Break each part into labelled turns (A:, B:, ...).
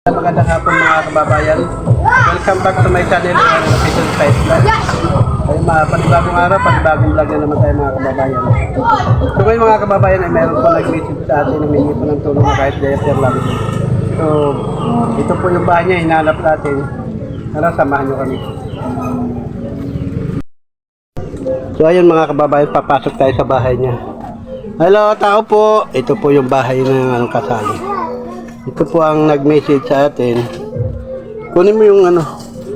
A: Magandang hapon mga kababayan. Welcome back to my channel, Official Site Vlog. Ay panibagong araw, panibagong vlog na naman tayo mga kababayan. So ngayon mga kababayan ay mayroon po nag-visit sa atin, humingi po ng tulong na kahit diaper lang. So ito po yung bahay niya, hinahanap natin. Tara, samahan nyo kami. So ayun mga kababayan, papasok tayo sa bahay niya. Hello, tao po. Ito po yung bahay ng kasali. Ito po ang nag-message sa atin. Kunin mo yung ano.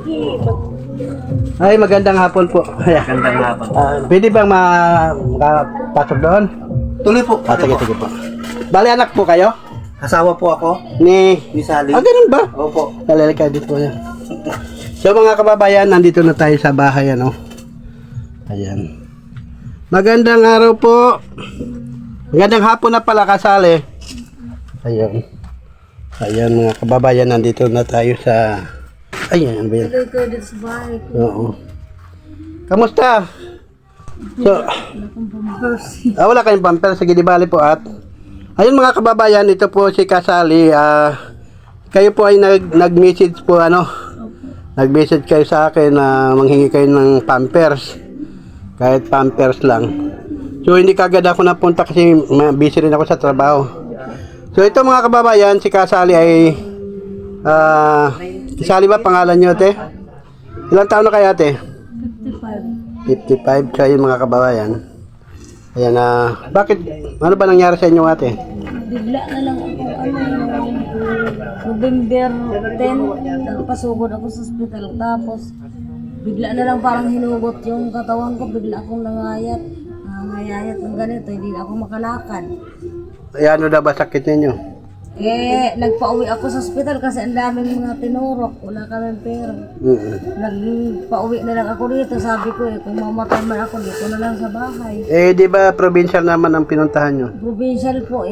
A: Ay, magandang hapon po.
B: Magandang hapon.
A: Pwede bang makapasok doon?
B: Tuloy po.
A: Sige po. Bali, anak po kayo?
B: Asawa po ako.
A: Ni
B: Sally.
A: ganun ba?
B: Opo.
A: Kalalika dito yan. So mga kababayan, nandito na tayo sa bahay, ano? Ayan. Magandang araw po. Magandang hapon na pala, kasali. Ayan. Ayan mga kababayan, nandito na tayo sa... Ayan, ano ba yan? Oo. Kamusta? So, wala kayong bumper. Sige, di bali po at... Ayun mga kababayan, ito po si Kasali. Kayo po ay nag-message po, ano? Nag-message kayo sa akin na manghingi kayo ng pampers. Kahit pampers lang. So, hindi kagad ako napunta kasi busy rin ako sa trabaho. So ito mga kababayan, si Kasali ay Kasali ba pangalan nyo, ate? Ilang taon na kayo, ate? 55. 55. So yun mga kababayan. Ayan, bakit? Ano ba nangyari sa inyo, ate?
C: Bigla na lang ako, November 10, nagpasugod ako sa ospital. Tapos, bigla na lang parang hinugot yung katawan ko. Bigla akong nangayat ng ganito. Hindi ako makalakad.
A: Ay, ano daw ba sakit ninyo?
C: Nagpa-uwi ako sa ospital kasi ang daming mga tinurok. Wala kaming pera. Nagpa-uwi na lang ako dito. Sabi ko kung mamatay man ako dito na lang sa bahay.
A: Di ba provincial naman ang pinuntahan nyo?
C: Provincial po,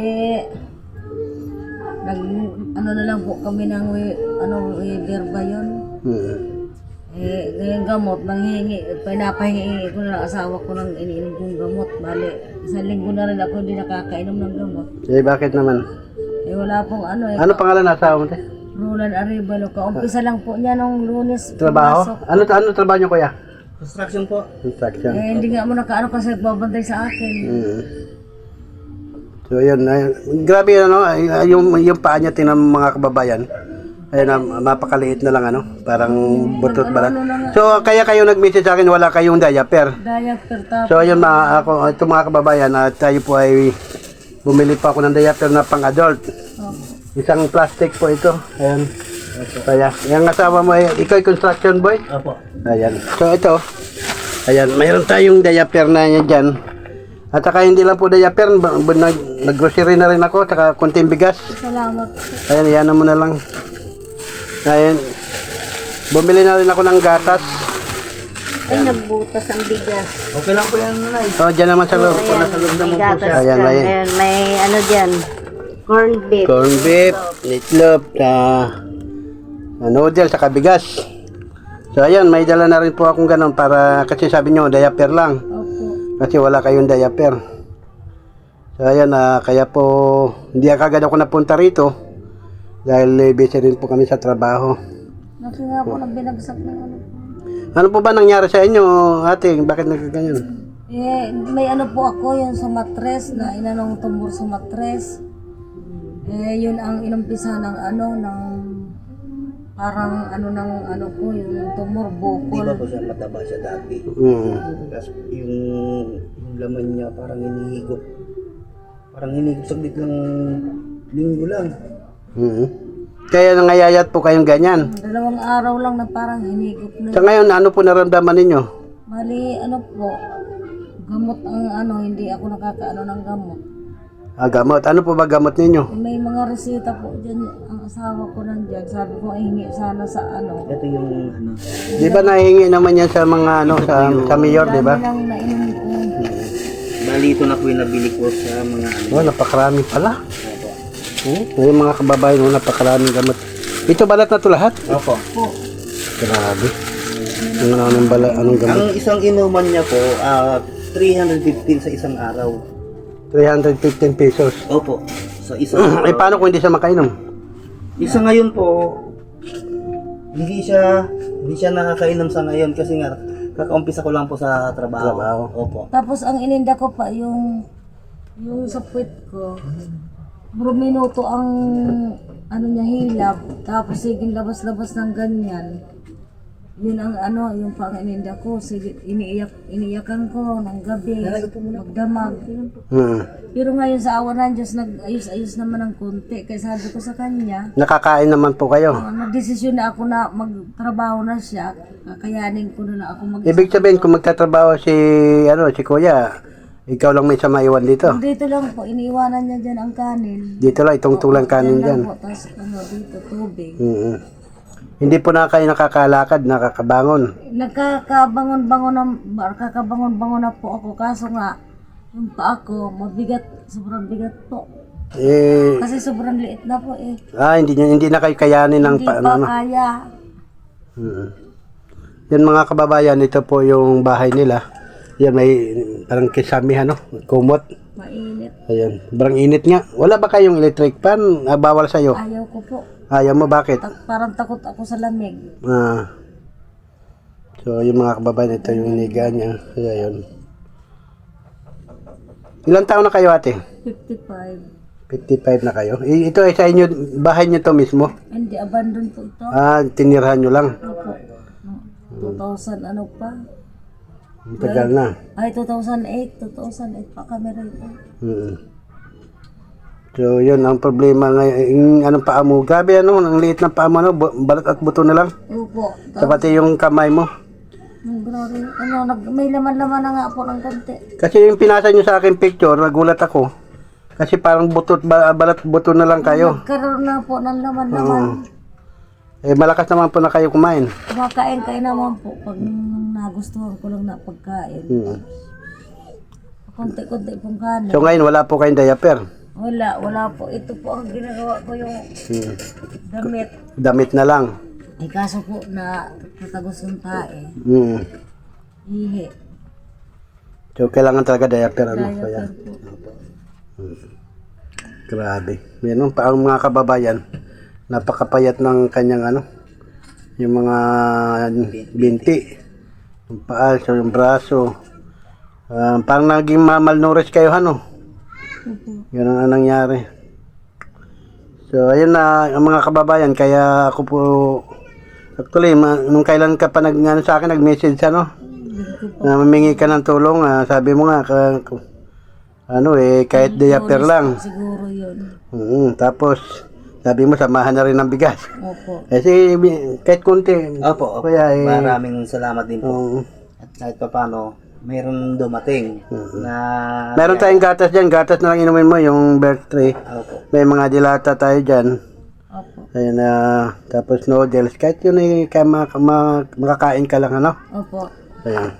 C: ano na lang po kami ng waiver ba yun? Ngayong gamot, pinapahingi ko na lang asawa ko ng iniinom kong gamot. Bali, isang linggo na rin ako hindi nakakainom ng gamot.
A: Bakit naman?
C: Wala pong
A: Ano pangalan na asawa mo, te?
C: Roland Arevalo. Kaumpisa lang po niya nung Lunes.
A: Trabaho? Ano trabaho nyo, kuya?
B: Construction po.
A: Construction.
C: Hindi nga mo nakaano kasi nagbabantay sa akin.
A: So yun, grabe yung paa niya tinan mga kababayan. Ayun, mapakaliit na lang parang butot ba lang. So kaya kayo nag-message sa akin, wala kayong diaper.
C: Diaper tapos.
A: So ayun ito mga kababayan, tayo po ay bumili pa ako ng diaper na pang-adult. Isang plastic po ito. Ayan. Kaya, yung asawa mo ay, ikaw ay construction boy?
B: Opo.
A: Ayan. So ito, ayan, mayroon tayong diaper na yan dyan. At saka hindi lang po diaper, nag-grocery na rin ako, saka kunting bigas.
C: Salamat.
A: Ayan, iyan mo na lang. Ayan. Bumili na rin ako ng gatas.
C: Ay, nagbutas ang bigas.
B: Okay lang po yan, Nanay.
A: Dyan naman sa loob.
B: Nasa loob naman po siya.
A: Ayan, ayan.
C: May ano dyan, corned beef.
A: Corn beef, meatloaf, noodle, saka bigas. So ayan, may dala na rin po akong ganun para, kasi sabi nyo, diaper lang.
C: Opo.
A: Kasi wala kayong diaper. So ayan, kaya po, hindi agad ako napunta rito. Dahil busy rin po kami sa trabaho.
C: Kasi nga po binagsak ng ano.
A: Ano po ba nangyari sa inyo, ate? Bakit nagkaganyan?
C: May ano po ako, yung sa matres, na inanong tumor sa matres. Yun ang inumpisa ng parang ko, yung tumor,
B: Di ba
C: bukol.
B: po siya mataba siya dati? Tapos yung laman niya parang hinihigop. Parang hinihigop saglit lang linggo lang.
A: Kaya nangayayat po kayong ganyan.
C: 2 araw lang na parang hinigop na.
A: Sa ngayon, ano po naramdaman ninyo?
C: Bali, po, gamot ang hindi ako nakakaano ng gamot.
A: Gamot. Ano po ba gamot ninyo?
C: May mga resita po dyan, ang asawa ko nandyan. Sabi ko, hingi sana sa
B: Ito yung
A: Di ba nahingi naman yan sa mga sa mayor, di ba?
C: Dami lang nainom ko.
B: bali ito na po yung nabili ko sa mga
A: Napakarami pala.
B: Opo.
A: Yung mga kababayan, napakaraming gamot. Ito balat na to lahat?
B: Opo.
A: Grabe. Anong gamot?
B: Ang isang inuman niya po, 315 sa isang araw.
A: 315 pesos.
B: Opo. Sa isang
A: Paano kung hindi siya makainom?
B: Isa ngayon po, hindi siya nakakainom sa ngayon kasi nga kakaumpisa ko lang po sa trabaho.
A: Trabaho.
B: Opo.
C: Tapos ang ininda ko pa yung sa puwet ko. Bro minuto ang ano niya hilab. Tapos sige labas-labas ng ganyan. Yun ang ano, yung pang ininda ko. Sige, iniiyakan ko ng gabi. Magdamag. Pero ngayon sa awa ng Diyos, nag-ayos-ayos naman ng konti. Kaya sabi ko sa kanya,
A: Nakakain naman po kayo.
C: nagdesisyon na ako na magtrabaho na siya. Kakayanin ko na ako mag
A: Ibig sabihin, kung magtatrabaho si Kuya, ikaw lang may sama iwan dito.
C: Dito lang po, iniiwanan niya dyan ang kanin.
A: Dito lang, itong tulang kanin dyan.
C: Po, tapos dito, tubig.
A: Hindi po na kayo nakakalakad, nakakabangon.
C: Nakakabangon-bangon na po ako. Kaso nga, yung paa ko, mabigat, sobrang bigat po.
A: Eh,
C: Kasi sobrang liit na po eh.
A: hindi na kayo kayanin ng
C: Hindi pa kaya.
A: Yan mga kababayan, ito po yung bahay nila. Yan may parang kisami kumot.
C: Mainit.
A: Ayan, parang init nga. Wala ba kayong electric fan? Bawal sa'yo.
C: Ayaw ko po.
A: Ayaw mo, bakit?
C: Parang takot ako sa lamig.
A: So, yung mga kababayan, ito yung iniga niya. Kaya yun. Ilang taon na kayo, ate?
C: 55.
A: 55 na kayo. Ito ay sa inyo, bahay niyo to mismo?
C: Hindi, abandon po ito.
A: Tinirhan nyo lang.
C: Opo. 2000 ano pa?
A: Tagal na.
C: Ay, 2008 pa kami rito.
A: So, yun ang problema ngayon. Yung anong paa mo? Grabe ang liit ng paa mo, balat at buto na lang.
C: Opo.
A: Sa pati yung kamay mo.
C: Grabe. May laman-laman na nga po ng konti.
A: Kasi yung pinasa nyo sa akin picture, nagulat ako. Kasi parang balat buto na lang kayo.
C: Nagkaroon na po ng laman-laman.
A: Malakas naman po na kayo kumain.
C: Kumakain kayo naman po pag nagustuhan ko lang na pagkain. Konti-konti pong kanin.
A: So ngayon, wala po kayong diaper.
C: Wala po. Ito po ang ginagawa ko yung damit.
A: Damit na lang.
C: Kaso po na tatagos yung tae. Ihi.
A: So kailangan talaga diaper.
C: Diaper po.
A: Grabe. Yan pa ang mga kababayan. Napakapayat ng kanyang yung mga binti. Yung paa, so yung braso. Parang naging malnourished kayo, Ganun ang nangyari. So, ayun na ang mga kababayan. Kaya ako po, actually, nung kailan ka pa sa akin, nag-message, na mamingi ka ng tulong. Sabi mo nga, kahit diaper lang.
C: Siguro yun.
A: Tapos, sabi mo, samahan na rin ng bigas.
C: Opo.
A: Kasi, kahit konti.
B: Opo.
A: Kaya,
B: Maraming salamat din po. At kahit pa paano, mayroon dumating na...
A: Meron tayong gatas dyan. Gatas na lang inumin mo, yung birth tray.
B: Opo.
A: May mga dilata tayo dyan.
C: Opo.
A: Ayun tapos noodles. Kahit yun makakain ka lang,
C: Opo.
A: Ayan.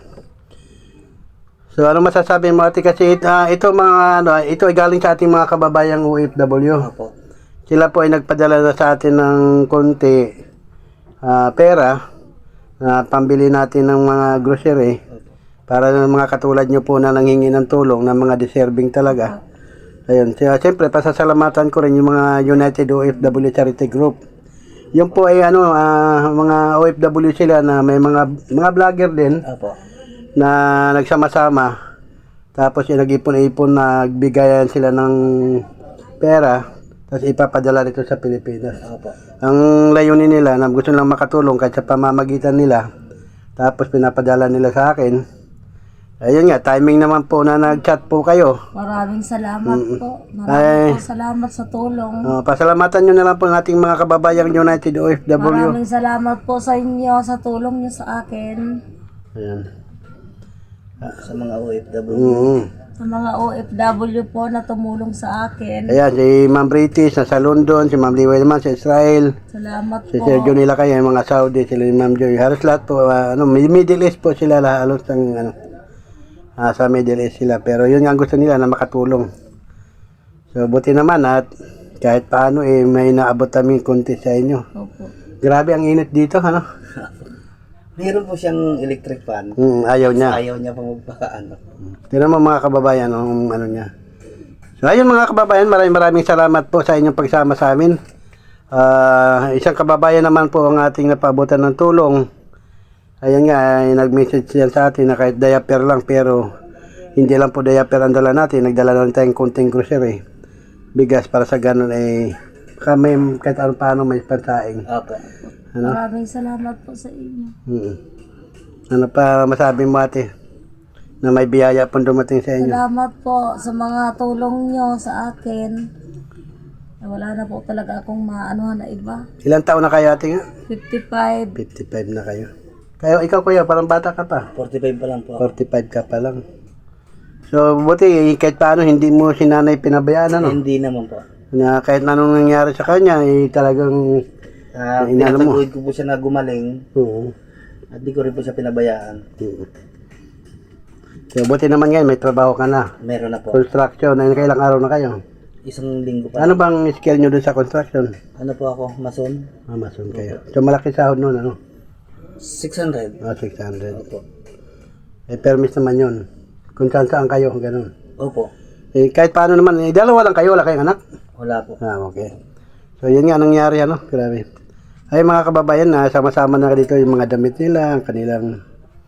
A: So, ano masasabi mo, ate? Kasi ito ito ay galing sa ating mga kababayang OFW.
B: Opo.
A: Sila po ay nagpadala na sa atin ng konti pera na pambili natin ng mga grocery. Para ng mga katulad nyo po na nanghingi ng tulong ng mga deserving talaga. Ayun. Siyempre, pasasalamatan ko rin yung mga United OFW Charity Group. Yung po ay mga OFW sila na may mga vlogger din.
B: Opo.
A: Na nagsama-sama. Tapos nag-ipon-ipon, nagbigayan sila ng pera. Tapos ipapadala dito sa Pilipinas.
B: Opo.
A: Ang layunin nila na gusto lang makatulong kahit sa pamamagitan nila. Tapos pinapadala nila sa akin. Ayun nga, timing naman po na nag-chat po kayo.
C: Maraming salamat po. Maraming salamat sa tulong.
A: Pasalamatan nyo na lang po ang ating mga kababayang United OFW.
C: Maraming salamat po sa inyo, sa tulong nyo sa akin.
A: Ayan.
B: Sa mga OFW.
C: Sa mga OFW po na tumulong sa akin.
A: Ayan, si Ma'am British nasa London, si Ma'am Liway naman sa Israel.
C: Salamat
A: Si
C: po.
A: Sergio nila kayo, yung mga Saudi, sila ni Ma'am Joy. Halos lahat po, Middle East po sila, halos sa Middle East sila. Pero yun nga ang gusto nila na makatulong. So, buti naman at kahit paano may naabot kami konti sa inyo.
C: Opo.
A: Grabe ang init dito,
B: Meron po siyang electric fan.
A: Ayaw niya.
B: Ayaw niya pang magpakaano.
A: Tignan mo mga kababayan, niya. So, ayun mga kababayan, maraming salamat po sa inyong pagsama sa amin. Isang kababayan naman po ang ating napabutan ng tulong. Ayan nga, ay nag-message yan sa atin na kahit diaper lang, pero hindi lang po diaper ang dala natin. Nagdala lang tayong konting grocery. Bigas para sa ganun ay kami kahit ano paano may pansaing.
B: Opo.
A: Ano?
C: Maraming salamat po sa inyo.
A: Ano pa masabi mo ate? Na may biyaya pong dumating sa inyo.
C: Salamat po sa mga tulong nyo sa akin. Wala na po talaga akong maanuhan na iba.
A: Ilang taon na kayo ate nga?
C: 55.
A: 55 na kayo. Ikaw kuya, parang bata ka pa.
B: 45 pa lang po.
A: 45 ka pa lang. So, buti kahit paano hindi mo si nanay pinabayaan, ano?
B: Hindi naman po.
A: Na kahit anong nangyari sa kanya, talagang inano mo.
B: Pinataguid ko po siya na gumaling
A: Oo.
B: at di ko rin po siya pinabayaan.
A: So, buti naman ngayon, may trabaho ka na.
B: Meron na po.
A: Construction, kailang araw na kayo?
B: Isang linggo pa.
A: Ano bang skill nyo dun sa construction?
B: Ano po ako? Mason?
A: Mason kayo. So, malaki sahod nun, ano?
B: 600.
A: 600.
B: Opo.
A: Permis naman yun. Kung saan kayo, ganun.
B: Opo.
A: Kahit paano naman, dalawa lang kayo, wala kayong anak?
B: Wala po.
A: Okay. So, yun nga nangyari, ano? Grabe. Ay, mga kababayan, sama-sama na dito yung mga damit nila, ang kanilang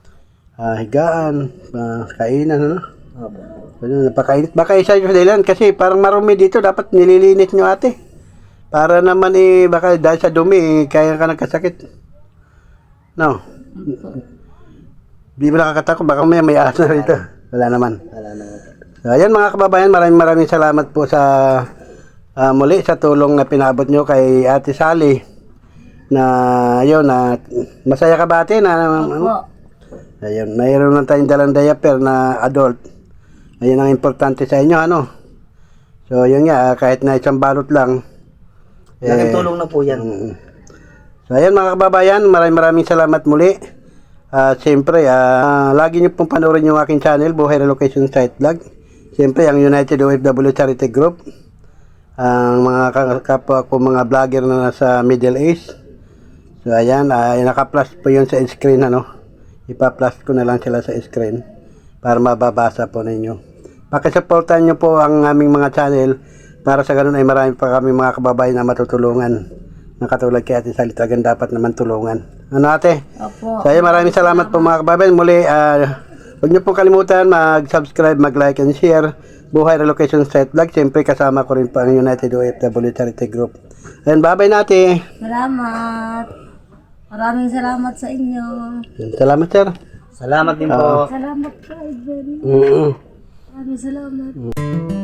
A: higaan, kainan, ano?
B: Opo.
A: So, napakainit. Baka isa yung dahilan kasi parang marumi dito, dapat nililinit nyo ate. Para naman baka dahil sa dumi, kaya ka nagkasakit. No? Di ba nakakatakot? Baka may ahas na rito. Wala naman.
B: Wala naman.
A: So, ayan mga kababayan, maraming salamat po sa muli sa tulong na pinabot nyo kay Ate Sally. Na ayun, masaya ka ba ate?
C: Opo.
A: Ayun, mayroon na tayong dalang diaper na adult. Ayun ang importante sa inyo, ano? So, yun nga, kahit na isang balot lang.
B: Laking tulong na po yan.
A: So, ayan mga kababayan, maraming salamat muli. Siyempre, lagi niyo pong panoorin yung aking channel, Buhay Relocation Site Vlog. Siyempre, ang United OFW Charity Group. Ang mga kapwa ko mga vlogger na nasa Middle East. So, ayan, naka-plus po yun sa screen, ano? Ipa-plus ko na lang sila sa screen para mababasa po ninyo. Pakisuportahan nyo po ang aming mga channel para sa ganun ay marami pa kami mga kababayan na matutulungan. Na katulad kay Ate Sally, talagang dapat naman tulungan. Ano ate?
C: Opo.
A: So, ayun, maraming salamat po mga kababayan. Muli, huwag nyo pong kalimutan mag-subscribe, mag-like and share. Buhay Relocation Site Vlog. Siyempre kasama ko rin po ang United OFW Charity Group. Ayun, bye-bye nate.
C: Salamat. Maraming salamat sa inyo.
A: Salamat sir.
B: Salamat din po.
C: Salamat ka, Ivan.
A: Mm-hmm.
C: Maraming salamat.